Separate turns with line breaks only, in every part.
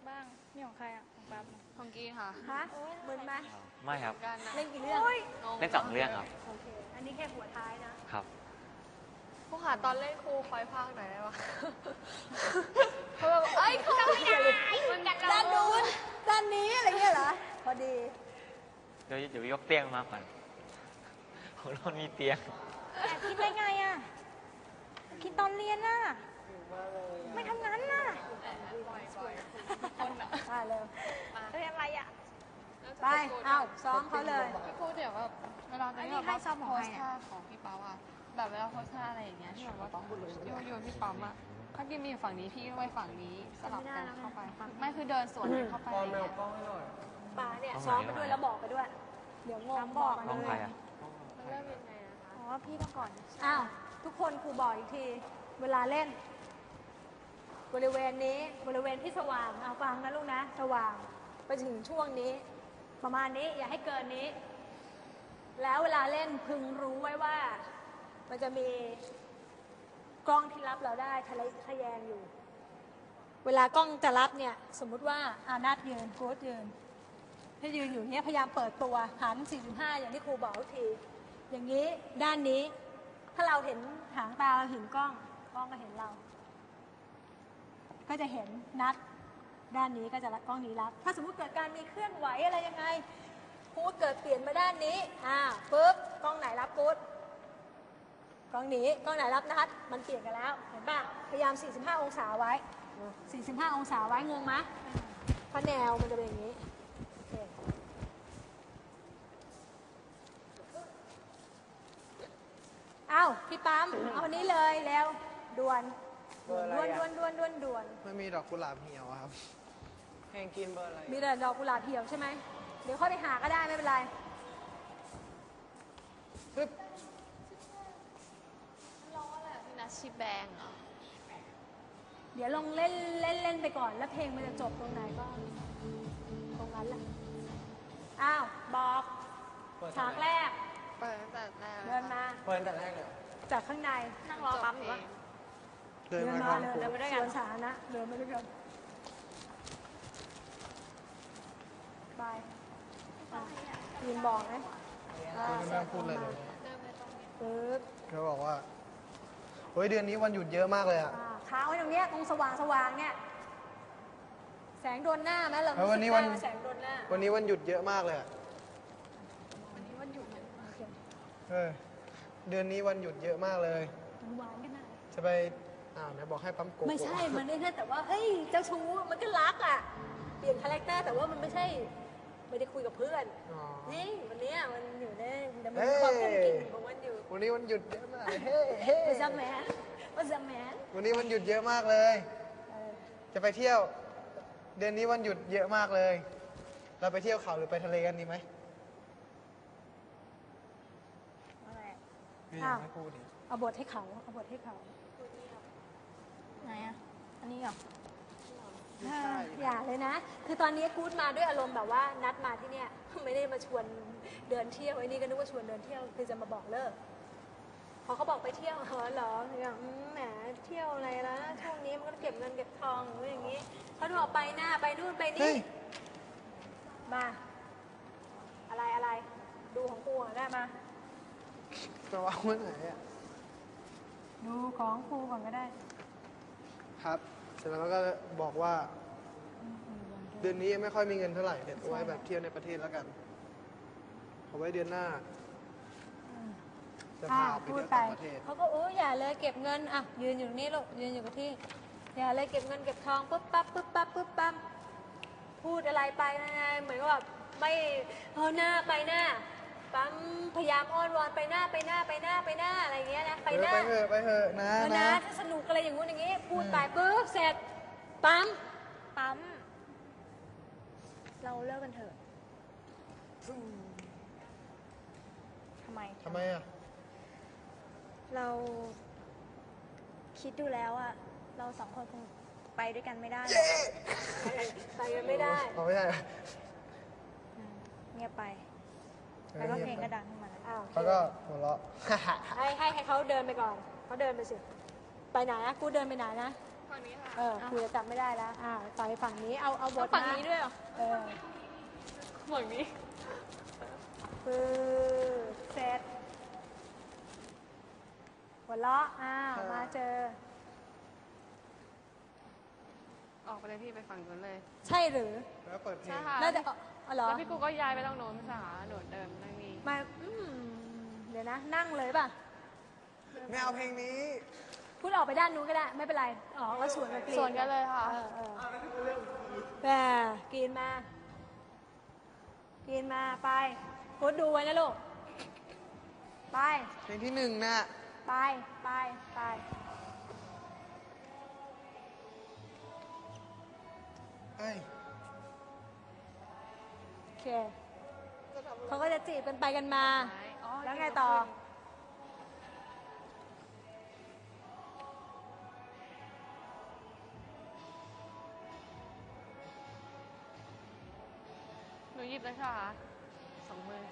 บ้างนี่ของใครอ่ะของปั๊บ
ของกีค่ะ
ฮะเหมือนไหม
ไม่ครับ
กันนะ
เล่นกี่เรื่อง
เล่น2 เรื่องครับ
โอเค อันนี้แค่หัวท้ายนะครับ
ครูค่ะตอนเล่นครูคอยพากหน่อยได้ปะเขาแบบเอ้ยครูไม่ได้มันกัด
ด้านนู้นด้านนี้อะไรเงี้ยเหรอ พอดี
เดี๋ยวยกเตียงมาก่อนของเรามีเตียง
แอบคิดได้ไงอ่ะคิดตอนเรียนน่ะไม่ทำงานน่ะ
มาเร็ว
เรียนอะไรอ่ะ
ไป เอาซ้อมเขาเลย
พี่ครูเดี๋ยวแบบเวลาจะ
อันนี้ให้ซ้อมของ
โพ
ใคร
ส
อะ
ท่าของพี่ป๊าอะแบบเวลาโพสท่าอะไรอย่างเงี้ยที่แบบว่าโยนพี่ปั๊มอะถ้ากินมีอยู่ฝั่งนี้พี่ก็ไปฝั่งนี้สลับกันเข้าไปไม่คือเดินสวนกันเข้าไปอะไรเงี้ย
ป่าเนี่ยซ้อมไปด้วยแล้วบอกไปด้วย เดี๋ยวงงบอก
น้องใครอ่ะ
มันเริ่มยังไงนะคะ
อ๋อพี่ต้องก่อน
อ้าว ทุกคนครูบอกอีกที เวลาเล่น บริเวณนี้ บริเวณที่สว่าง เอาฟังนะลูกนะ สว่าง ไปถึงช่วงนี้ ประมาณนี้ อย่าให้เกินนี้ แล้วเวลาเล่นพึงรู้ไว้ว่า มันจะมีกล้องที่รับเราได้ทะแยงอยู่ เวลากล้องจะรับเนี่ย สมมุติว่านัดยืนโค้ชยืน ถ้ายืนอยู่เนี้ยพยายามเปิดตัวหัน 45 อย่างที่ครูบอกทุกที อย่างนี้ด้านนี้ ถ้าเราเห็นหางตาเราเห็นกล้องก็เห็นเรา ก็จะเห็นนัดด้านนี้ก็จะรับกล้องนี้รับ ถ้าสมมุติเกิดการมีเคลื่อนไหวอะไรยังไงครูเกิดเปลี่ยนมาด้านนี้ปุ๊บกล้องไหนรับกูดกล้องนี้กล้องไหนรับนัดมันเปลี่ยนกันแล้วเห็นป่ะพยายาม 45 องศาไว้ 45 องศาไว้งงไหมเพราะแนวมันจะเป็นอย่างนี้โอเคเอาพี่ปั๊มเอาอันนี้เลยแล้วด่วนด่วน
ไม่มีดอกกุหลาบเหี่ยวอะครับแห้งกินเบอร์อะไร
มีแต่ดอกกุหลาบเหี่ยวใช่ไหมเดี๋ยวค่อยไปหาก็ได้ไม่เป็นไร
ปึ๊บ
ร้องอะไรพี่นัทชิแบงเหรอ
เดี๋ยวลองเล่นไปก่อนแล้วเพลงมันจะจบตรงไหนก็ตรงนั้นแหละอ้าวบอกฉากแรก
เปิดตั้งแต่แรก
เดินมา
เปิดแต่แรกเลย
จากข้างใน
นั่งรอปั๊มอยู่วะ
เดินมาก่อน
เดินไปด้วยกันสวนสาธารณะเดินไปด้วยกันบายยืนบอกนะ
ไม่ต้องพูดอะไรเลย
ปึ๊บ
เขาบอกว่าเฮ้ยเดือนนี้วันหยุดเยอะมากเลยอะ
ค้างไว้ตรงเนี้ยตรงสว่างเนี่ยแสงโดนหน้าไหมเรา
แล้ววันนี้วัน
รู้สึกได้าแสงโดนหน้า
วันนี้วันหยุดเยอะมากเลยอะ
วันนี้วันหยุด
โอเค
เดือนนี้วันหยุดเยอะมากเลย
หวานกันนะ
จะไปไหนบอกให้ปั๊มโกะ
ไม่ใช่ มันไม่ใช่แต่ว่า เฮ้ย เจ้าชู้ มันก็รักอ่ะ เปลี่ยนคาแรคเตอร์แต่ว่ามันไม่ใช่ ไม่ได้คุยกับเพื่อน
อ๋อ
นี่วันเนี้ยมันอยู่ในมัน
เฮ้
มี
ย
ความกุ้งกิ่งของมันอยู่
วันนี้วันหยุดเยอะมากเฮ้เฮ้
มันจะแมนมันจะแมน
วันนี้วันหยุดเยอะมากเลย จะไปเที่ยว เดือนนี้วันหยุดเยอะมากเลย เราไปเที่ยวเขาหรือไปทะเลกันดีไหม
อะไรอะ
พี่ยังไม่พูดดิ
เอาบทให้เขา เอาบทให้เขา
ไหนอ่ะอันนี้เหรอ
ไม่ใช่
อย่าเลยนะ คือตอนนี้กู๊ดมาด้วยอารมณ์แบบว่านัดมาที่เนี่ย ไม่ได้มาชวนเดินเที่ยวไอ้นี่ก็นึกว่าชวนเดินเที่ยวคือจะมาบอกเลิกพอเขาบอกไปเที่ยวเหรอเนี่ยแหมเที่ยวอะไรละช่วงนี้มันก็เก็บเงินเก็บทองหรืออย่างงี้เขาบอกไปหน้าไปนู่นไป
เฮ้
นี่
ย
มา อะไรดูของกูอ่ะได้มา
จะวางไว้ไหนอะ
ดูของครูก่อนก็ได้
ครับ เสร็จแล้วมันก็บอกว่า เดือนนี้ยังไม่ค่อยมีเงินเท่าไหร่เดี๋ยวเอาไว้แบบเที่ยวในประเทศแล้วกันเอาไว้เดือนหน้า จะพาไป
พู
เที่
ด
ยว
ไป
ต่างประเทศ
เขาก็อย่าเลยเก็บเงินอ่ะยืนอยู่ตรงนี้ลูกยืนอยู่กับที่ อย่าเลยเก็บเงินเก็บทองปุ๊บปั๊บพูดอะไรไปนะเหมือนกับแบบไม่หน้าไปหน้าปั๊มพยายามอ้อนวอนไปหน้าอะไรอย่างเงี้ยนะไปหน้า
ไปเถอะนะ
นะถ้าสนุกอะไรอย่างงู้นอย่างงี้ พูดไปปุ๊บเสร็จปั๊ม
ปั๊มเราเลิกกันเถอะทำไม
ทำไมอ่ะ
เราคิดดูแล้วอะเราสองคนคงไปด้วยกันไม่ได้หรอก
ไปกันไม่ได้
เอาไม่ใช่
เงียบไปแล้วก็เพลงก็ดังขึ้นมาแล้ว
อ้าว
แล้วก็หัวเราะ
ให้เขาเดินไปก่อนเขาเดินไปสิ ไปไหนนะกูเดินไปไหนนะ
ไปฝั่งนี้ค่ะ
ครูจะจำไม่ได้แล้วไปฝั่งนี้เอาบท
ฝั่งนี้ด้วยเหรอ
เออ
ฝั่งนี้
ปึ๊บเสร็จหัวเราะมาเจอ
ออกไปเลยพี่ไปฝั่งนู้นเลย
ใช่หรือ
แล้วเปิดเพล
ใช่
ง
ค่ะ
น่าจะเหรอ
แล้วพี่กูก็ย้ายไปตรงโน้นสาหนูเดินนั่งนี่
มาเดี๋ยวนะ นั่งเลยป่ะ
ไม่เอาเพลงนี้
พูดออกไปด้านนู้นก็ได้ ไม่เป็นไรออกแล้วสวนกับกรีน
ส่วนกันเลยค่ะ
แต่กรีนมาไปกูดูไว้นะลูก ไป
เพลงที่หนึ่งน่ะ
ไป
เอ้ย
โอเค เขาก็จะจีบกันไปกันมา
อ๋อ
แล้วไงต่อ
หนูหยิบเลยค่ะสองมือ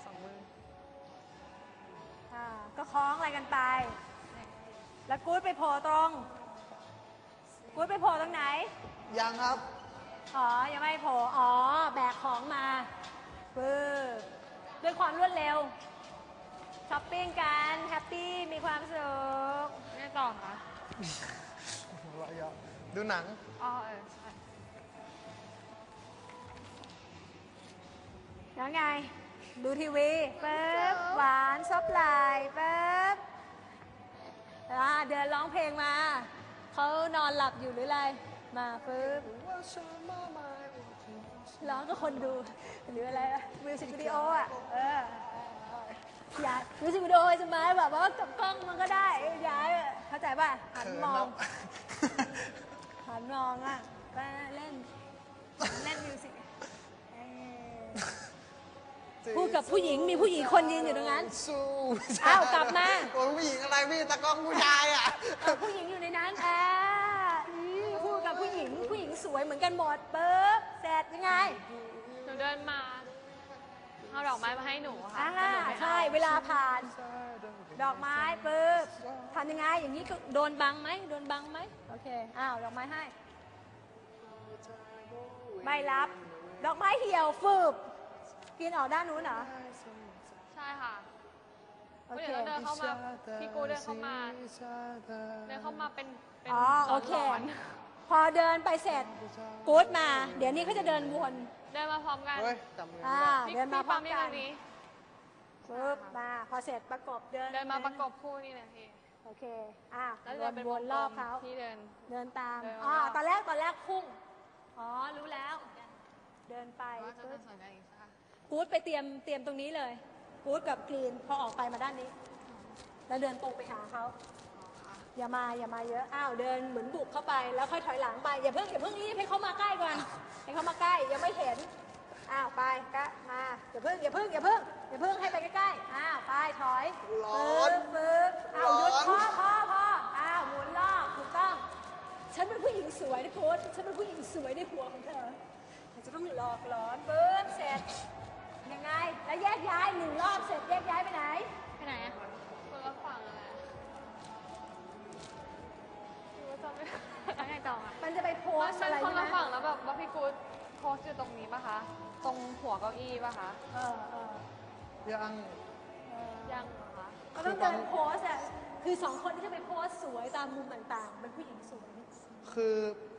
ก็คล้องอะไรกันไป แล้วกู๊ดไปโผล่ตรง ไหน
ยังครับ
ยังไม่โผล่แบกของมาปึ๊บด้วยความรวดเร็ว ช้อปปิ้งกัน แฮปปี้ มีความสุข
ไงต่อคะ
ดูหนัง
อ๋อใช่
แล้วไง ดูทีวีปึ๊บหวานซบไหลปึ๊บเดินร้องเพลงมา เขานอนหลับอยู่หรืออะไร มาปึ๊บร้องกับคนดู หรืออะไรมิวสิกวิดีโออย่ามิวสิกวิดีโอจะมาแบบว่ากับกล้องมันก็ได้ย้ายเข้าใจป่ะ หันมองไปเล่นมิวสิกพูดกับผู้หญิงมีผู้หญิงคนยืนอยู่ตรงนั้น
สู้
กลับมา
โอ้ยผู้หญิงอะไรพี่ตะกล้องผู้ชายอ่ะ
ผู้หญิงอยู่ในนั้นพูดกับผู้หญิงสวยเหมือนกันหมดปึ๊บเสร็จยังไง
หนูเดินมาเอาดอกไม้มาให้หนูค่ะ
ใช่เวลาผ่าน ดอกไม้ปึ๊บทำยังไงอย่างนี้ก็โดนบังไหมโอเคดอกไม้ให้ ไม่รับ ดอกไม้เหี่ยวฟืบกินออกด้านนู้นเหรอ
ใช่ค่ะ
โอเค
เดี๋ยวเดินเข้ามาพี่กูเดินเข้ามาเป็น
โอเค
ร้อน
พอเดินไปเสร็จกู๊ดมา เดี๋ยวนี้เขาจะเดินวน
เดินมาพร้อมกัน
เฮ้ยจำเงิน
พี่
เดินมาพร้อม
พี่
กั
ปั๊
น
มนี่
ปึ๊บมาพอเสร็จประกบเดิน
มาประกบคู่นี่เลยพี่
โอเค
แล้ว
ว
เดิน
น
เป็น
วนรอบเขา
พี่เดิน
เดินตาม
เดินรอบ
ตอนแรกพุ่งรู้แล้ว เดินไป
ว่าจะ
ปึ๊
เดิ
บ
นสวนกันอีกค่ะ
กู๊ดไปเตรียมตรงนี้เลยกู๊ดกับกรีนพอออกไปมาด้านนี้ แล้วเดินตรงไปหาเขาอย่ามาเยอะเดินเหมือนบุกเข้าไปแล้วค่อยถอยหลังไปอย่าเพิ่งรีบให้เขามาใกล้ก่อนให้เขามาใกล้ยังไม่เห็นไปก็มาอย่าเพิ่งให้ไปใกล้ๆไปถอย
ร้อน
ปึ๊บหยุด
ร้อน
พอหมุนรอบถูกต้อง ฉันเป็นผู้หญิงสวยนะโค้ชฉันเป็นผู้หญิงสวยในหัวของเธอเธอจะต้องหลอกหลอนปึ๊บเสร็จยังไงแล้วแยกย้าย1 รอบเสร็จแยกย้ายไปไหน
ไปไหนอ่ะคนละฝั่งอะไรหนูจำไม่ได้แล้วไงต่ออ่ะ
มันจะไปโพส
มัน
อะไร
คน
ใช่ไหม
ละฝั่งแล้วแบบว่าพี่กู๊ดโพสอยู่ตรงนี้ป่ะคะ ตรงหัวเก้าอี้ป่ะคะ
ยัง
ยังเหรอคะ
ก็ต้องเดินโพสคือ2 คนที่จะไปโพสสวยตามมุมต่างๆเป็นผู้หญิงสวย
คือ